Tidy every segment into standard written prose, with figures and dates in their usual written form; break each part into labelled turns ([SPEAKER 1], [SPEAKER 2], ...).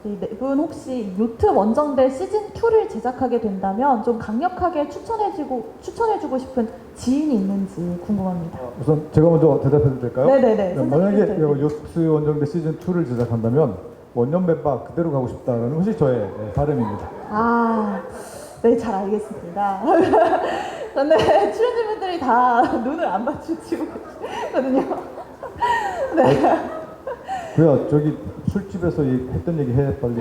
[SPEAKER 1] 이 네 분 혹시 요트 원정대 시즌2를 제작하게 된다면 좀 강력하게 추천해주고 싶은 지인이 있는지 궁금합니다.
[SPEAKER 2] 우선 제가 먼저 대답해도 될까요?
[SPEAKER 1] 네네네.
[SPEAKER 2] 만약에
[SPEAKER 1] 선생님부터.
[SPEAKER 2] 요트 원정대 시즌 2를 제작한다면 원년 멤버 그대로 가고 싶다는 것이 저의 바람입니다.
[SPEAKER 1] 아, 네, 잘 알겠습니다. 근데 출연진분들이 다 눈을 안 맞추시고 계시거든요. 네.
[SPEAKER 2] 그야 저기 술집에서 했던 얘기 해 빨리.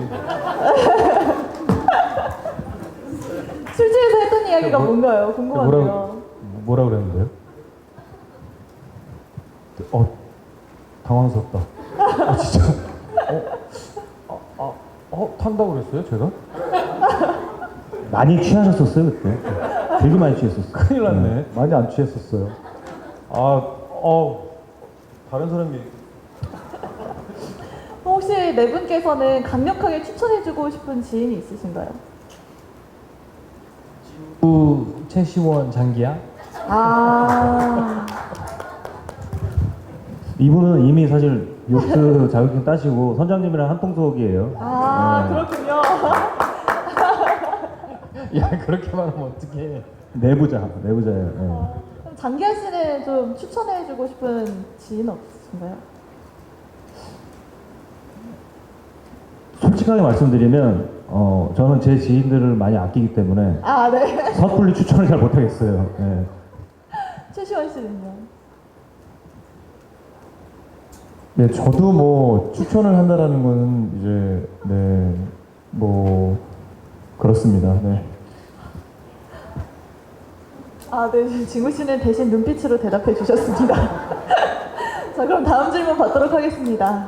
[SPEAKER 1] 술집에서 했던 이야기가 뭔가요? 궁금한데요.
[SPEAKER 2] 뭐라 그랬는데요? 당황스럽다. 진짜. 탄다고 그랬어요 제가?
[SPEAKER 3] 많이 취하셨었어요 그때? 되게 많이 취했었어요.
[SPEAKER 2] 큰일 났네. 많이 안 취했었어요. 다른 사람이
[SPEAKER 1] 혹시 네 분께서는 강력하게 추천해주고 싶은 지인이 있으신가요?
[SPEAKER 4] 최시원 장기야?
[SPEAKER 1] 아,
[SPEAKER 3] 이분은 이미 사실 요트 자격증 따시고 선장님이랑 한통속이에요. 네.
[SPEAKER 1] 그렇군요.
[SPEAKER 4] 야 그렇게 말하면 어떡해.
[SPEAKER 3] 내부자예요. 네.
[SPEAKER 1] 그럼 장기하 씨는 좀 추천해주고 싶은 지인 없으신가요?
[SPEAKER 3] 솔직하게 말씀드리면 저는 제 지인들을 많이 아끼기 때문에
[SPEAKER 1] 아, 네.
[SPEAKER 3] 섣불리 추천을 잘 못하겠어요. 네.
[SPEAKER 1] 최시원 씨는요?
[SPEAKER 2] 네, 저도 뭐 추천을 한다라는 거는 이제 뭐 그렇습니다. 네.
[SPEAKER 1] 아, 네. 진구 씨는 대신 눈빛으로 대답해 주셨습니다. 자, 그럼 다음 질문 받도록 하겠습니다.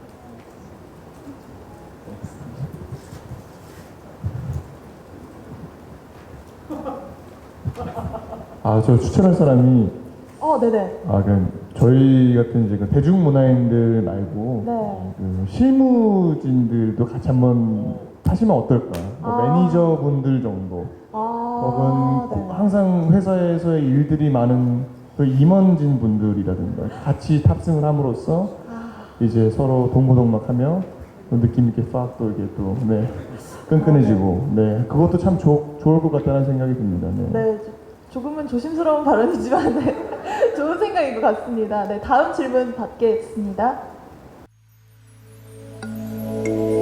[SPEAKER 2] 저 추천할 사람이
[SPEAKER 1] 네네.
[SPEAKER 2] 저희 같은 이제 그 대중문화인들 말고
[SPEAKER 1] 네.
[SPEAKER 2] 그 실무진들도 같이 한번 하시면 어떨까? 뭐 매니저분들 정도 혹은
[SPEAKER 1] 네.
[SPEAKER 2] 항상 회사에서의 일들이 많은 그 임원진 분들이라든가 같이 탑승을 함으로써 이제 서로 동고동락하며 또 느낌 있게 팍 또 이게 또 끈끈해지고 그것도 참 좋을 것 같다는 생각이 듭니다.
[SPEAKER 1] 네, 조금은 조심스러운 발언이지만 네, 좋은 생각인 것 같습니다. 네, 다음 질문 받겠습니다.